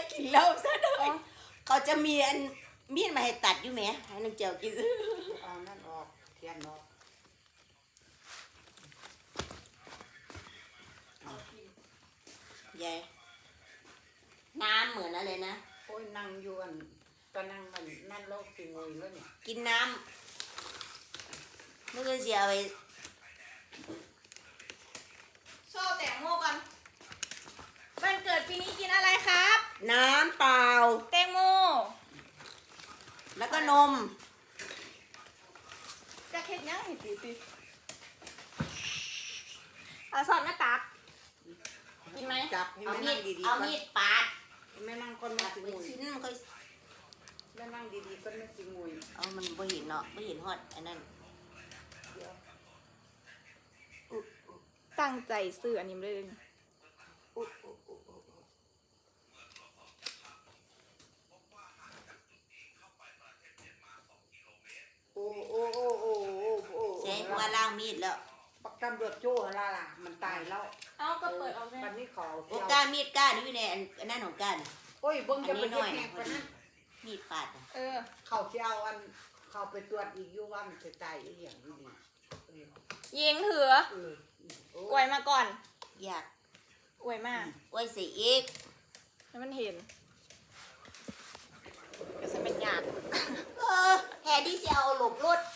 กินเหล้าซะด้วยเขาจะมีอันมีดมาให้ตัดอยู่ไหมให้น้องเจียวกินเอานั่นออกเทียนออกยายน้ำเหมือนอะไรนะโอ้ยนั่งอยู่อันก็นั่งมันนั่นโลกสิงวยแล้วเนี่ยกินน้ำไม่เคยเสียไปโชว์แตงโมกันวันเกิดปีนี้กินอะไรครับน้ำเปล่าแตงโมแล้วก็นมจะเค็ดยังเห็นตีเอาซอสมาตักกินไหมจับให้เอาแม่มีนั่งดีๆดเอาก่อนมีดปาดแม่นั่งคนมาสิงเป็นวยชิ้นมันค่อยแม่นั่งดีๆก็ไม่สิงวยเอามันไม่เห็นเนาะไม่เห็นฮอดอันนั้นตั้งใจซื้ออันนี้เลยโอ้โอ้โอ้โอ้โอ้ใช่ว่าล่างมีดแล้วปักตำรวจโจ้ละล่ะมันตายแล้วเอาก็เปิดเอาแม่วันนี้ขอโอ้ก้านมีดก้านนี่อยู่ในอันนั้นของก้านโอ้ยเบิ่งจะเป็นอันนี้หน่อยแขกปะนั้นมีดปาดอะเขาเที่ยวอันเขาไปตรวจอีกอยู่ว่ามันจะตายอีกอย่างอยู่ดียิงเถือ อวยมาก่อนอยากอวยมากไว้ใส่อีกให้มันเห็นก็จะเป็นหยาดแฮดี้จะเอาหลบรถ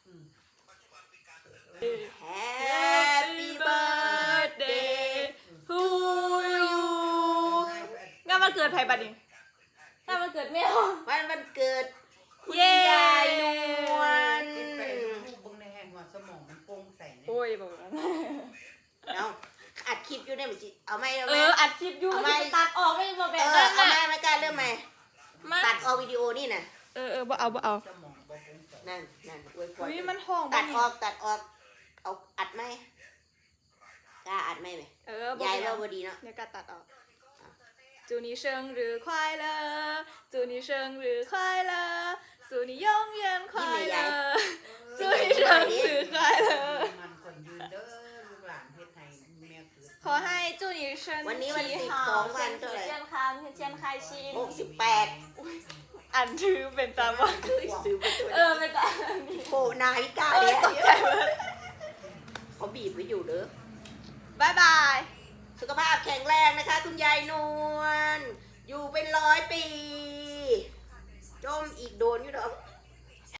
Happy birthday to you งานวันเกิดใครบัดนี้งานวันเกิดแมววันเกิดคุณเย้ยายนวลกินไปลูกเบิ่งในแห่งหัวสมองมันโปร่งใสเนี่ยโอ้ยบอกว่าเอาอัดคลิปอยู่เนี่ยมันสิเอาไหมเอาเอไหมออัดคลิปอยู่เอาไหมตัดออกไม่มาแบเอบ อนั้นเอาไหมน่ะไม่กล้าเริ่มไหมมาตัดเอาวิดีโอนี่น่ะบ่เอาบ่เอาสมองบ่โปร่งใสนั่นอวยพรอุ้ยมันห้องตัดบ่ออกเอาอัดไหมกล้าอัดไหมไหมบ่ยายเป็นไรเราพอดีเนาะเดี๋ยวก็ตัดออก祝你生日快乐祝你生日快乐祝你永远快乐祝你生日快乐มันคนยืนเด้อลูกหลานเฮ็ดให้แม่คือขอให้祝你身体好身体健康天天开心 68 อันถือเป็นตามว่าซื้อไปตัวเป็นตามนี้โอ้นาฬิกาเนี่ยตกใจหมดเขาบีบไว้อยู่เด้อบ๊ายบายสุขภาพแข็งแรงนะคะ คุณยายนวลอยู่เป็น100 ปีจมอีกโดนอยู่เด้อ